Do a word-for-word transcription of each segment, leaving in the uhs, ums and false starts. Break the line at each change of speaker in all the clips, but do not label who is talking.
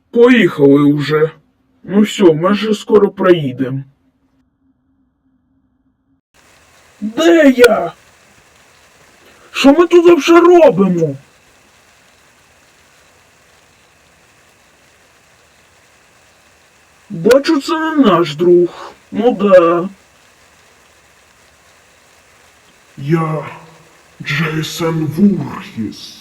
Поїхали уже. Ну все, ми вже скоро проїдемо. Де я? Що ми тут вже робимо? Бачу, це не наш друг. Ну да.
Я Джейсон Вурхіс.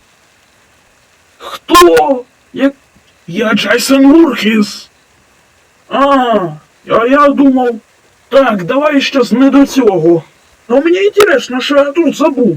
Хто? Я, я Джейсон Вурхіс. А, а я думав... Так, давай щас не до цього. А мені інтересно, що я тут забув.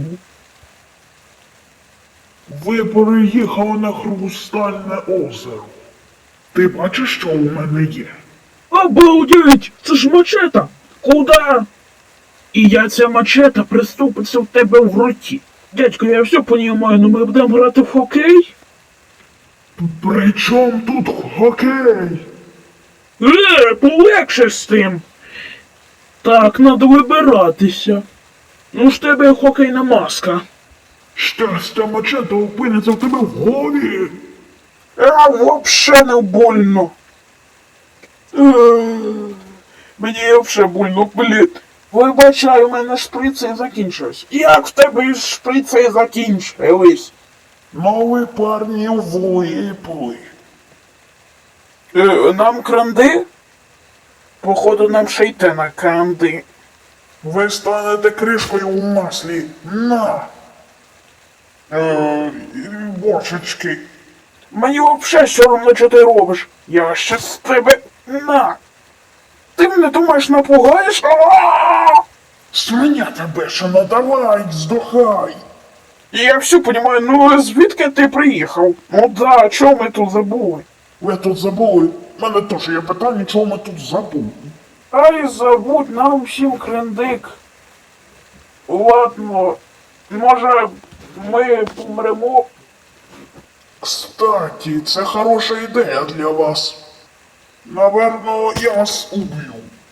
Ви переїхали на Хрустальне озеро. Ти бачиш, що у мене є?
Обалдеть! Це ж мачета! Куда? І я ця мачета приступиться в тебе в роті. Дядько, я все понімаю, но ми будемо грати в хокей?
При чому тут хокей?
Е, полегше з тим. Так, надо вибиратися. Ну ж тебе хокейна маска.
Щастя, мачета опиниться в тебе в голові.
А, вообще не больно. Е, Мені вообще больно, блін. Вибачай, у мене шприци закінчились. Як в тебе із шприци закінчились?
Ну ви, парні, влипли.
Е, нам кранди? Походу нам ще йти на кранди.
Ви станете кришкою у маслі. На! Е, бочечки.
Мені вообще все одно, що ти робиш. Я ще з тебе... На! Ти мене думаєш напугаєш? А-а-а!
Свиня тебе ще надавай, здохай.
Я все понимаю, ну звідки ти приїхав? Ну да, чого ми тут забули?
Ви тут забули? У мене теж є питання, чого ми тут забули.
Ай, забудь нам всім крендик. Ладно, може ми помремо?
Кстати, це хороша ідея для вас. Наверно, я вас уб'ю.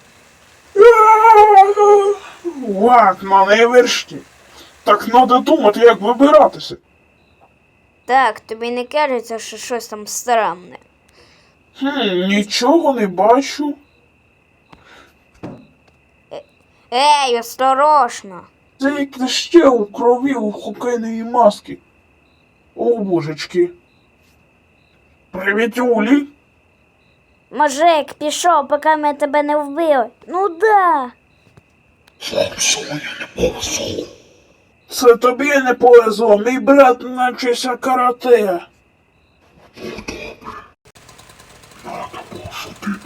Ладно, не вершки. Так надо думати, як вибиратися.
Так, тобі не кажеться, що щось там странне.
Хм, нічого не бачу.
Ей, осторожно!
Це як ще у крові у хокейної маски. О, божечки. Привіт, Юлі.
Мужик, пішов, поки ми тебе не вбили. Ну да.
Вам сьогодні не повезло.
Це тобі не повезло, мій брат навчився карате.
Ну добре. Надо пошутити.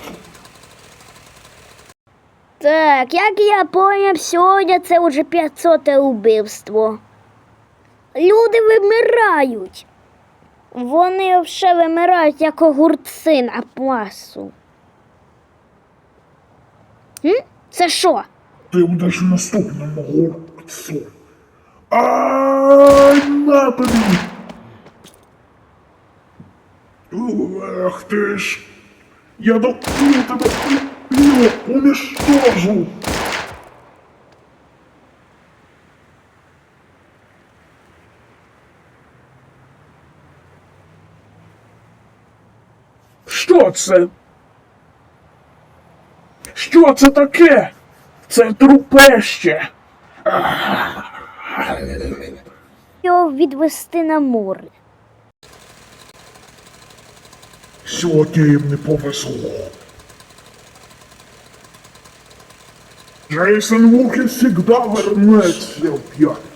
Так, як я поняв, сьогодні це вже п'ятсоте убивство. Люди вимирають. Вони вже вимирають, як огурці на пласу. М? Це що?
Ти будеш в наступному горцу. Ай, на тобі! Ах ти ж! Я доп'ю тебе, я уничтожу!
Що це? Що це таке? Це трупеще.
Його відвести на море.
Сьогодні їм не повезло. Джейсон Вурхіс завжди вернеться в п'ятницю.